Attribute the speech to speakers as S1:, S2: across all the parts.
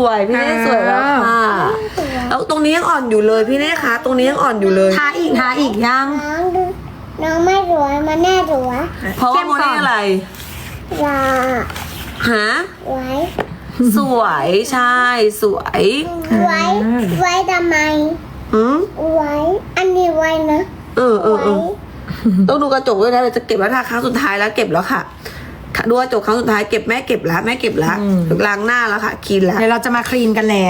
S1: วยพี่เน่สวยแล้วค่ะแล้วตรงนี้ยังอ่อนอยู่เลยพี่เน่คะตรงนี้ยังอ่อนอยู่เลย
S2: ทาอีกยัง
S3: น้องไม่สวยมันแน่สวย
S1: เพราะว่าโมเน่อะไร
S3: อย่า
S1: หา
S3: ไว้
S1: สวยใช่สวย
S3: ไว้ทำไม
S1: อืม
S3: ไว้อันนี้ไว้นะ
S1: เออ
S3: ไว้
S1: ต้องดูกระจกด้วยนะเราจะเก็บแล้วทาครั้งสุดท้ายแล้วเก็บแล้วค่ะดูกระจกครั้งสุดท้ายเก็บแม่เก็บแล้วล้างหน้าแล้วค่ะคลีนแล้ว
S2: เดี๋ยวเราจะมาคลีนกันแล้ว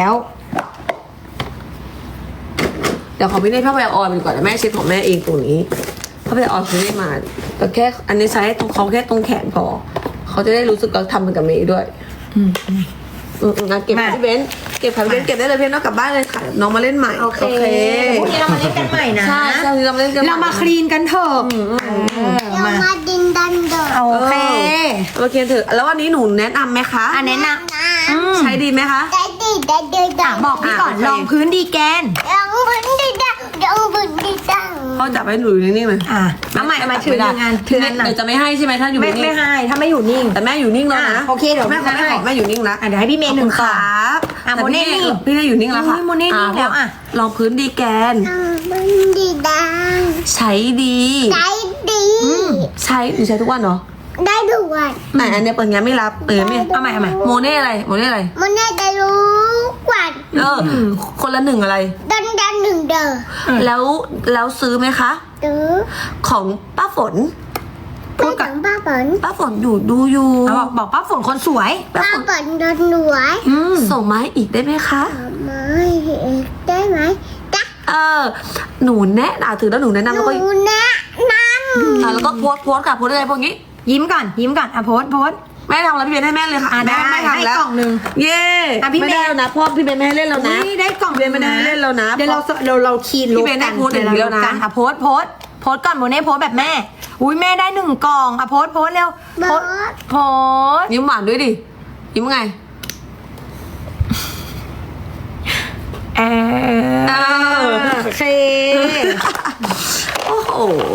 S1: เดี๋ยวของพี่เน่ผ้าใบออนไปก่อนนะแม่เช็ดของแม่เองตรงนี้ผ้าใบออนคือไม่มาแต่แค่อันนี้ใช้ตรงเขาแค่ตรงแขนพอเขาจะได้รู้สึกว่าทำเหมือนกับเมย์ด้วยเก็บพี่เบนเก็บพี่เบนเก็บได้เลยเพี่นน้องกลับบ้านเลยค่ะน้องมาเล่นใหม่
S2: โอเคพรุ่งนี้เรามาเล่นกันใหม่นะ
S1: ใช่เรามาเล่นกัน
S2: เรามาคลีนกันเถอะ
S3: เรามาดินดันเดอร์
S2: โอเค
S1: โอเคเถอะแล้ววันนี้หนูแนะนำไหมคะ
S2: แนะน
S1: ใช้ดีไหมคะ
S3: ได้ดีได้ดีได้
S2: ำบอกพี่ก่อน
S1: โอเค
S2: ลองพื้นดีแกน
S3: ยังพื้นดีดังยังพื้นดีดัง
S1: เขาจับให้หนูอยู่นิ่งๆเลย
S2: เอาใหม่ถือหนึ่งอันถืออันหน่อย
S1: เดี๋ยวจะไม่ให้ใช่ไหมถ้าอยู่
S2: ไม่
S1: นิ่ง
S2: ให้ถ้าไม่อยู่นิ่ง
S1: แต่แม่อยู่นิ่งแล้วนะ
S2: โอเคเดี๋ยว
S1: แม่ขอ
S2: ให้
S1: แม่อยู่นิ่งแล้ว
S2: เดี๋ยวให้พี่เมย์หนึ่ง
S1: ค
S2: ก่อน
S1: รับ
S2: โมเน่นิ่ง
S1: พี่เน่อยู่นิ่งแล้วค่ะ
S2: โมเน่นิ่งแล้ว
S1: ลองพื้นดีแกน
S3: ยังพื้นดีดัง
S1: ใช้ดี
S3: ได้ดี
S1: ใช้หนูใช้ทุกวันเหรอ
S3: ได้ด้วย
S1: ไหนอันเนี้ยเปิดงั้นไม่รับไม่เอาใหม่โมเน่อะไร
S3: มันน่าจะรู้กว่า
S1: คนละหนึ่งอะไร
S3: ดันดันหนึ่งเดอ
S1: แล้วซื้อไหมคะ
S3: หรือ
S1: ของป้าฝน
S3: พูดกับป้าฝน
S1: ป้าฝนดูอยู่
S2: บอกป้าฝนคนสวย
S3: ป้าฝนโดนหน่วย
S1: ส่งมาให้อีกได้ไหมคะ
S3: ไม่ได้ไหมได้
S1: หนูแนะนำถือแล้วหนูแนะนำ
S3: ห
S1: แล้วก็
S3: นูแนะน
S1: แล้วก็โพสค่ะโพสอะไรพวกนี้
S2: ยิ้มก่อนโพส
S1: แม่ทำแล้วพี่เบนให้แม่เลยค่ะ
S2: ได้
S1: แม่ทำแล้ว
S2: ให้กล่องหนึ่ง
S1: เย้ไม่ได้แล้วนะเพราะพี่เบนไม่ให้เล่นแล้วนะ
S2: ได้กล่อง
S1: พี่เบนไม่ได้ให้เล่นแล้วนะ
S2: เดี๋ยวเราคีน
S1: พี่เบนได้โพสต์อย่างเดียวนะ
S2: โพสก่อนโมเน่โพสแบบแม่อุ้ยแม่ได้หนึ่งกล่องโพสเร็ว
S3: ำบอส
S2: โพส
S1: ยิ้มหวานด้วยดิยิ้มไง
S2: โอเค
S1: โอ้โห